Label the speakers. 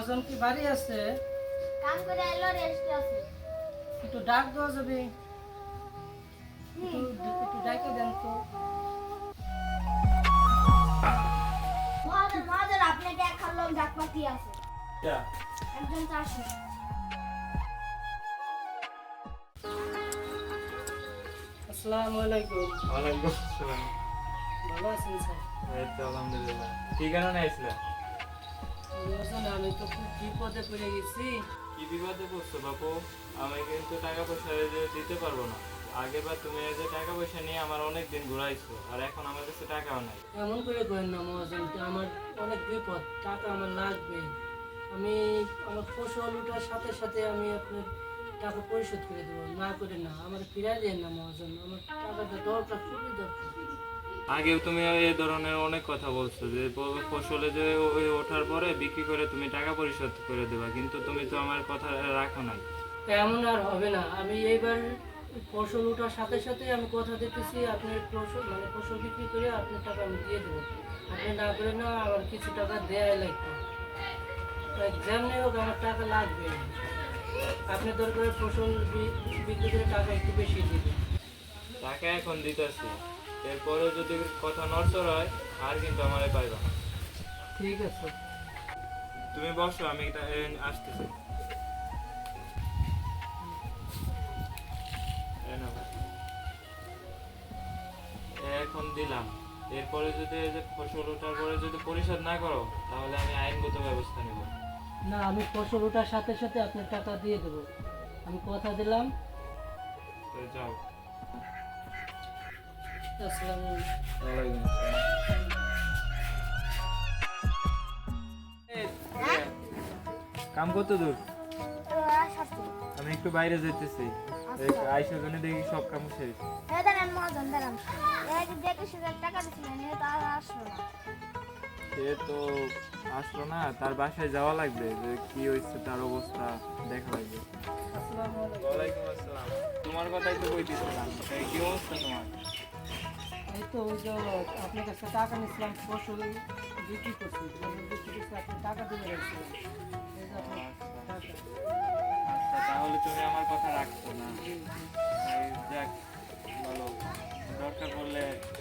Speaker 1: মহাজন কি বাড়ি আছে?
Speaker 2: কাম করে আইলো রেস্টে আছে।
Speaker 1: একটু ডাক দেওয়া যাবে? একটু ডাকে দেন তো।
Speaker 2: মহাজন আপনি দেখার লোক ডাকপাতি আছে। একজন চাষি।
Speaker 1: আসসালামু আলাইকুম।
Speaker 3: ওয়ালাইকুম আসসালাম।
Speaker 1: ভালো আছেন স্যার?
Speaker 3: এই তো আলহামদুলিল্লাহ। কি কারণে আইছিলা?
Speaker 1: মহাজন আমি তো খুব বিপদে পড়ে গেছি।
Speaker 3: কি বিপদে পড়ছো বাপু? আমি কিন্তু টাকা পয়সা যে দিতে পারবো না। আগেরবার তুমি এই যে টাকা পয়সা নিয়ে আমার অনেক দিন ঘুরাইছো, আর এখন আমার কাছে টাকাও নাই।
Speaker 1: এমন করে করেন না মহাজন, তো আমার অনেক বিপদ, টাকা আমার লাগবে। আমি আমার ফসল ওঠার সাথে সাথে আমি আপনার টাকা পরিশোধ করে দেবো, না করে না আমার ফিরাই দেন না মহাজন, আমার টাকাটা দরকার, খুবই দরকার।
Speaker 3: আগেও তুমি এই ধরনের অনেক কথা বলছো যে ফসলে যে ওই ওঠার পরে বিক্রি করে তুমি টাকা পরিশোধ করে দেবা, কিন্তু তুমি তো আমার কথা রাখো নাই।
Speaker 1: এমন আর হবে না। আমি এইবার ফসল ওঠার সাথে সাথে আমি কথা দিতেছি, আপনি ফসল বিক্রি করে আপনার টাকা আমি দিয়ে দেবো। আপনি না করে না আমার কিছু টাকা দেওয়াই লাগবে, যেমনি হোক আমার টাকা লাগবে। আপনি দরকার ফসল বিক্রি করে টাকা একটু বেশি দিবেন।
Speaker 3: টাকা এখন দিতেছি, এরপরেও যদি কথা নড়চড় হয় আর কিন্তু আমারে পাইবা না।
Speaker 1: ঠিক আছে।
Speaker 3: তুমি বসো, আমি আসতেছি। এই নাও। এখন দিলাম, এরপরে যদি এই যে ফসল ওঠার পরে যদি পরিশোধ না করো তাহলে আমি আইনগত ব্যবস্থা নেব।
Speaker 1: না, আমি ফসল ওঠার সাথে সাথে আপনার টাকা দিয়ে দেবো, আমি কথা দিলাম।
Speaker 3: তো যাও।
Speaker 1: আসসালামু
Speaker 3: ওয়ালাইকুম আসসালাম। কাম কত দূর? আমি একটু বাইরে যেতেছি, আইসার জন্য দেখি সব কাম শেষ।
Speaker 2: দাঁড়ান মহাজন দাঁড়ান। এই যে দেখে শুনে টাকা দিচ্ছিলেন এটা আর আসলো না।
Speaker 3: সে তো আসলো না, তার বাসায় যাওয়া লাগবে, যে কি হয়েছে তার অবস্থা দেখা লাগবে।
Speaker 1: আসসালামু আলাইকুম।
Speaker 3: ওয়ালাইকুম আসসালাম। তোমার কথাই তো বলতেছিলাম, কি অবস্থা তোমার?
Speaker 1: এই তো ওই যে আপনার কাছে টাকা নিয়েছিলাম, ফসল বিক্রি করছি, ফসল বিক্রি করছি, আপনি টাকা দিয়ে রেখেছিলেন। এই যে আপনার টাকা।
Speaker 3: আচ্ছা, তাহলে তুমি আমার কথা রাখছো না? এই যাক, বলো, দরকার পড়লে